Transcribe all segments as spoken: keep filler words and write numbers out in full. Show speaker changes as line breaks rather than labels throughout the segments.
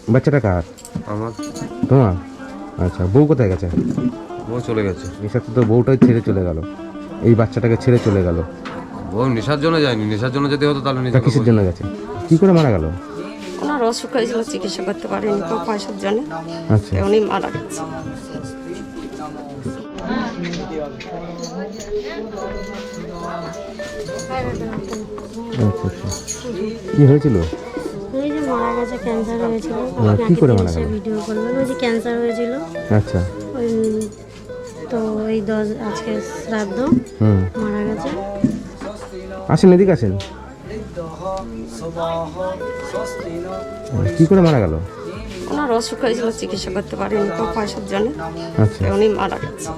বাচ্চাটা কার?
আমার।
তোমার? আচ্ছা, বউ কোথায় গেছে?
বউ চলে গেছে।
নেশার তো বউটাই ছেড়ে চলে গেল, এই বাচ্চাটাকে ছেড়ে চলে গেল।
বউ নেশার জন্য যায়নি, নেশার জন্য যদি হতো তাহলে
তা কিসের জন্য গেছে? কি করে মারা গেল?
ওনার অসুখ হয়েছিল, চিকিৎসা করতে পারেনি তো পয়সার জন্য।
আচ্ছা,
উনি মারা গেছে।
আচ্ছা আচ্ছা, কি হয়েছিল?
ওই যে মারা গেছে, ক্যান্সার হয়েছিল।
কি করে মারা গেল?
ভিডিও করবেন, ওই যে ক্যান্সার হয়েছিল।
আচ্ছা,
ওই তো এই দশ আজকে শ্রাদ্ধ,
হুম,
মারা গেছে।
আসেন এদিকে আসেন। কি করে মারা গেল?
ওনার অসুখ হয়েছিল, চিকিৎসা করতে পারেনি তো পয়সার জন্য।
আচ্ছা,
উনি মারা গেছে।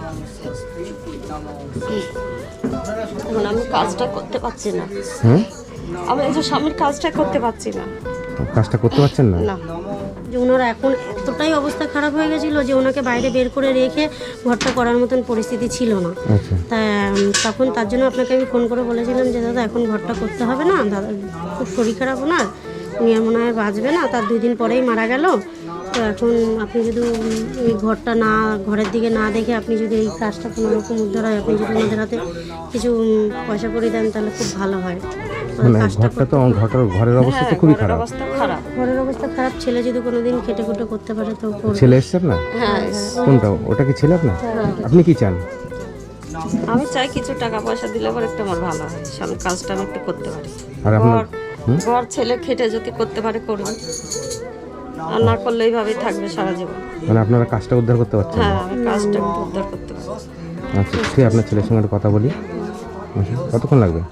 এখন আমি কাজটা করতে পারছি না।
হ্যাঁ,
আমি এই যে স্বামীর কাজটা করতে পারছি না।
কাজটা করতে পারছেন না?
না,
যে ওনার এখন এতটাই অবস্থা খারাপ হয়ে গেছিল যে ওনাকে বাইরে বের করে রেখে ঘরটা করার মতন পরিস্থিতি ছিল না।
আচ্ছা,
তা উম, তখন তার জন্য আপনাকে আমি ফোন করে বলেছিলাম যে দাদা এখন ঘরটা করতে হবে না, দাদা খুব শরীর খারাপ ওনার, উনি আর মনে হয় বাঁচবে না। তার দুই দিন পরেই মারা গেল। তো এখন আপনি যদি উম, এই ঘরটা না, ঘরের দিকে না দেখে আপনি যদি এই কাজটা কোনো রকম উদ্ধার হয়, আপনি যদি ওনাদের হাতে কিছু উম, পয়সা করে দেন তাহলে খুব ভালো হয়।
মানে ঘরটা তো ঘরটার ঘরের অবস্থা তো খুবই খারাপ।
অবস্থা খারাপ।
ঘরের অবস্থা খারাপ, ছেলে যদি কোনোদিন খেটে খুটে করতে পারে তো করবে।
ছেলে এসছে আপনার?
হ্যাঁ,
কোনটা? ওটা কি ছেলে আপনার? আপনি কি চান?
আমি চাই কিছু টাকা পয়সা দিলে পরে একটু আমার ভালো হয়, স্বামীর কাজটা আমি একটু করতে পারি।
আর আপনার?
ঘর ঘর ছেলে খেটে যদি করতে পারে করবে, আর না করলে এইভাবেই থাকবে সারা জীবন।
মানে আপনারা কাজটা উদ্ধার করতে পারছেন না?
হ্যাঁ, আমি কাজটা একটু উদ্ধার করতে পারি।
আচ্ছা, ঠিক, আপনার ছেলের সঙ্গে একটু কথা বলি। আচ্ছা, কতক্ষণ লাগবে?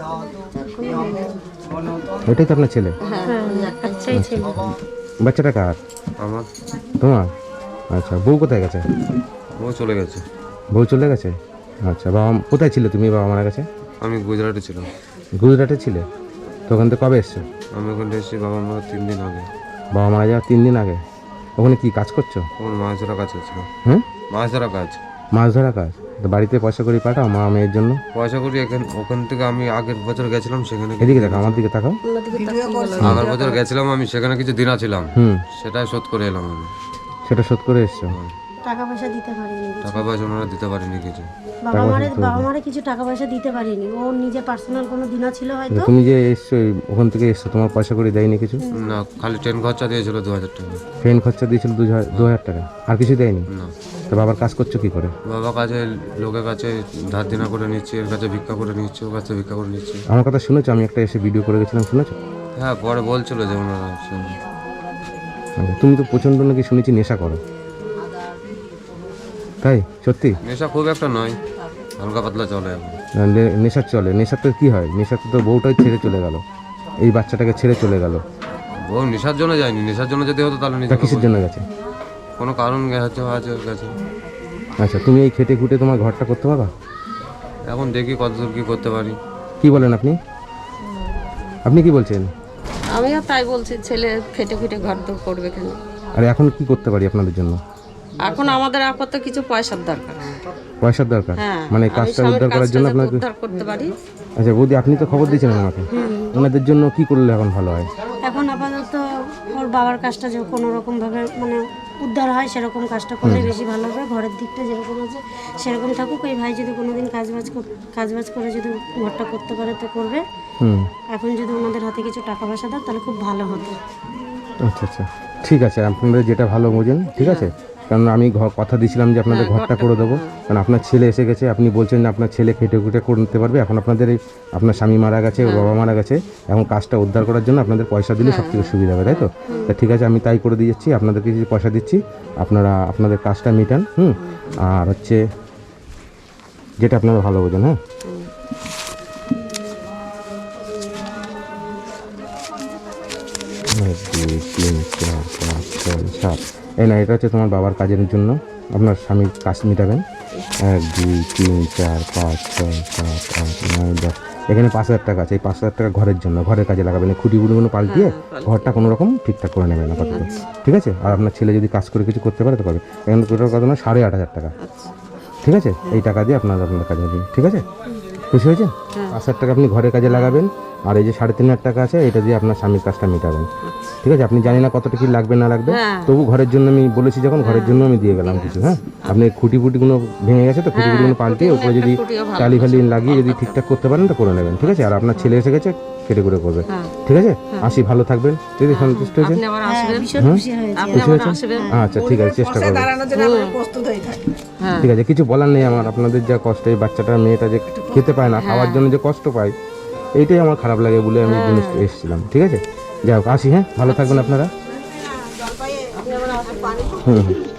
এটাই তো আপনার ছেলে?
হ্যাঁ,
আচ্ছাই ছেলে।
বাচ্চাটা কার?
আমার।
তোমার? আচ্ছা, বউ কোথায় গেছে?
বউ চলে গেছে।
বউ চলে গেছে। আচ্ছা, বাবা কোথায় ছিলে তুমি? বাবা মারা গেছে?
আমি গুজরাটে ছিলাম।
গুজরাটে ছিলে? তো ওখান থেকে কবে এসছো?
আমি ওখানে এসেছি বাবা মারা তিন দিন আগে।
বাবা মারা যাওয়ার তিন দিন আগে? ওখানে কি কাজ করছো?
ওখানে মাছ ধরা কাজ হচ্ছিল।
হ্যাঁ,
মাছ ধরা কাজ।
মাছ ধরা কাজ? তো বাড়িতে পয়সা করে পাঠাও মা মেয়ের জন্য?
পয়সা করি এখান ওখান থেকে আমি আগের বছর গেছিলাম সেখানে।
এদিকে দেখো, আমার দিকে তাকাও।
আগের বছর গেছিলাম আমি সেখানে কিছু দিনা ছিলাম,
হুম,
সেটাই শোধ করে এলাম আমি।
সেটা শোধ করে এসছো?
টাকা পয়সা দিতে পারিনি,
টাকা পয়সা ওনারা দিতে পারেনি কিছু।
বাবা মারে বাবা মারে কিছু টাকা পয়সা দিতে পারিনি। ও নিজে পার্সোনাল কোনো দিনা ছিল হয়তো।
তুমি যে এসছো এই ওখান থেকে এসছো, তোমার পয়সা করে দেয়নি কিছু?
না, খালি ট্রেন খরচা দিয়েছিল দু হাজার টাকা।
ট্রেন খরচা দিয়েছিল দু হাজার দু হাজার টাকা, আর কিছু দেয়নি?
না,
তো বাবার কাজ করছো কি করে?
বাবা কাছে লোকের কাছে ধার দিনা করে নিচ্ছে, এর কাছে ভিক্ষা করে নিচ্ছে, ওর কাছে ভিক্ষা করে নিচ্ছে।
আমার কথা শুনেছো? আমি একটা এসে ভিডিও করে গেছিলাম, শুনেছো?
হ্যাঁ, পরে বলছিল যে ওনারা শুনে।
আচ্ছা, তুমি তো প্রচণ্ড নাকি শুনেছি নেশা করো, তাই সত্যি?
নেশা খুব একটা নয়, হালকা পাতলা চলে এখন।
না, নে- নেশার চলে? নেশার তো কী হয়? নেশার তো বউটাই ছেড়ে চলে গেল, এই বাচ্চাটাকে ছেড়ে চলে গেল।
বউ নেশার জন্য যায়নি, নেশার জন্য যদি হতো তাহলে
তা
নিজে
কিসের জন্য গেছে?
কোনো কারণ গেছে আছে ওর কাছে।
আচ্ছা, তুমি এই খেটে খুঁটে তোমার ঘরটা করতে পারবা?
এখন দেখি কতদূর কি করতে পারি।
কি বলেন আপনি? আপনি কি বলছেন?
আমিও তাই বলছি, ছেলে খেটে খুটে ঘর দৌড় করবে কেন।
আর এখন কি করতে পারি আপনাদের জন্য?
এখন আমাদের আপাতত কিছু পয়সার দরকার।
পয়সার দরকার?
হ্যাঁ,
মানে
আমি
কাজটা
স্বামীর
উদ্ধার করার
কাজটা
জন্য
যাতে
আপনাকে?
উদ্ধার করতে পারি।
আচ্ছা বৌদি, আপনি তো খবর দিয়েছিলেন আমাকে, ওনাদের জন্য কি করলে এখন ভালো হয়?
এখন আপাতত ওর বাবার কাজটা যে কোনো রকম ভাবে মানে উদ্ধার হয় সেরকম কাজটা করলে বেশি ভালো হবে। ঘরের দিকটা যেরকম আছে সেরকম থাকুক। ওই ভাই যদি কোনোদিন কাজবাজ কর- কাজবাজ করে যদি ঘরটা করতে পারে তো করবে।
হুম,
এখন যদি ওনাদের হাতে কিছু টাকা পয়সা দেয় তাহলে খুব ভালো হতো।
আচ্ছা আচ্ছা, ঠিক আছে, আপনাদের যেটা ভালো বোঝেন, ঠিক আছে। কারণ আমি ঘর কথা দিয়েছিলাম যে আপনাদের ঘরটা করে দেবো, কারণ আপনার ছেলে এসে গেছে, আপনি বলছেন যে আপনার ছেলে খেটে খুটে করতে পারবে। এখন আপনাদের এই আপনার স্বামী মারা গেছে, ওর বাবা মারা গেছে, এখন কাজটা উদ্ধার করার জন্য আপনাদের পয়সা দিলে সব থেকে সুবিধা হবে, তাই তো? তা ঠিক আছে, আমি তাই করে দিয়েছি, আপনাদেরকে কিছু পয়সা দিচ্ছি, আপনারা আপনাদের কাজটা মিটান। হুম, আর হচ্ছে যেটা আপনারা ভালো বোঝেন। হ্যাঁ, এক দুই তিন চার পাঁচ ছয় সাত। এই না, এটা হচ্ছে তোমার বাবার কাজের জন্য, আপনার স্বামীর কাজ মিটাবেন। এক দুই তিন চার পাঁচ ছয় সাত আট নয় দশ, এখানে পাঁচ হাজার টাকা আছে। এই পাঁচ হাজার টাকা ঘরের জন্য, ঘরের কাজে লাগাবেন। এই খুঁটিগুলো পাল্টিয়ে ঘরটা কোনো রকম ঠিকঠাক করে নেবেন আপাতত, ঠিক আছে? আর আপনার ছেলে যদি কাজ করে কিছু করতে পারে তো পারবে। এখানে টোটাল কত না সাড়ে আট হাজার টাকা, ঠিক আছে? এই টাকা দিয়ে আপনার আপনার কাজে দিন, ঠিক আছে? খুশি হয়েছেন? পাঁচ হাজার টাকা আপনি ঘরের কাজে লাগাবেন, আর এই যে সাড়ে তিন হাজার টাকা আছে এটা দিয়ে আপনার স্বামীর কাজটা মেটাবেন। ঠিক আছে, আপনি জানি না কতটা কি লাগবে না লাগবে,
হ্যাঁ।
তবু ঘরের জন্য আমি বলেছি যখন, ঘরের জন্য আমি দিয়ে গেলাম কিছু। হ্যাঁ, আপনি খুঁটি ফুটিগুলো ভেঙে গেছে তো খুঁটি ফুটিগুলো পাল্টিয়ে উপরে যদি
খুঁটিও ভালো
টালি ফালি লাগিয়ে যদি ঠিকঠাক করতে পারেন তো করে নেবেন। ঠিক আছে, আর আপনার ছেলে এসে গেছে, কেটে করে করবে।
হ্যাঁ।
ঠিক আছে, আসি, ভালো থাকবেন। দিদি সন্তুষ্ট হয়েছেন?
আপনি আবার আসবেন,
ভীষণ খুশি হয়েছে।
আপনি আবার আসবেন।
আচ্ছা ঠিক আছে, চেষ্টা করবো।
হ্যাঁ
ঠিক আছে, কিছু বলার নেই আমার, আপনাদের যা কষ্ট, এই বাচ্চাটা মেয়েটা যে খেতে পায় না, খাওয়ার জন্য যে কষ্ট পায়, এইটাই আমার খারাপ লাগে বলে আমি জিনিস এসেছিলাম। ঠিক আছে, যাই হোক, আসি। হ্যাঁ, ভালো থাকবেন আপনারা। হুম হুম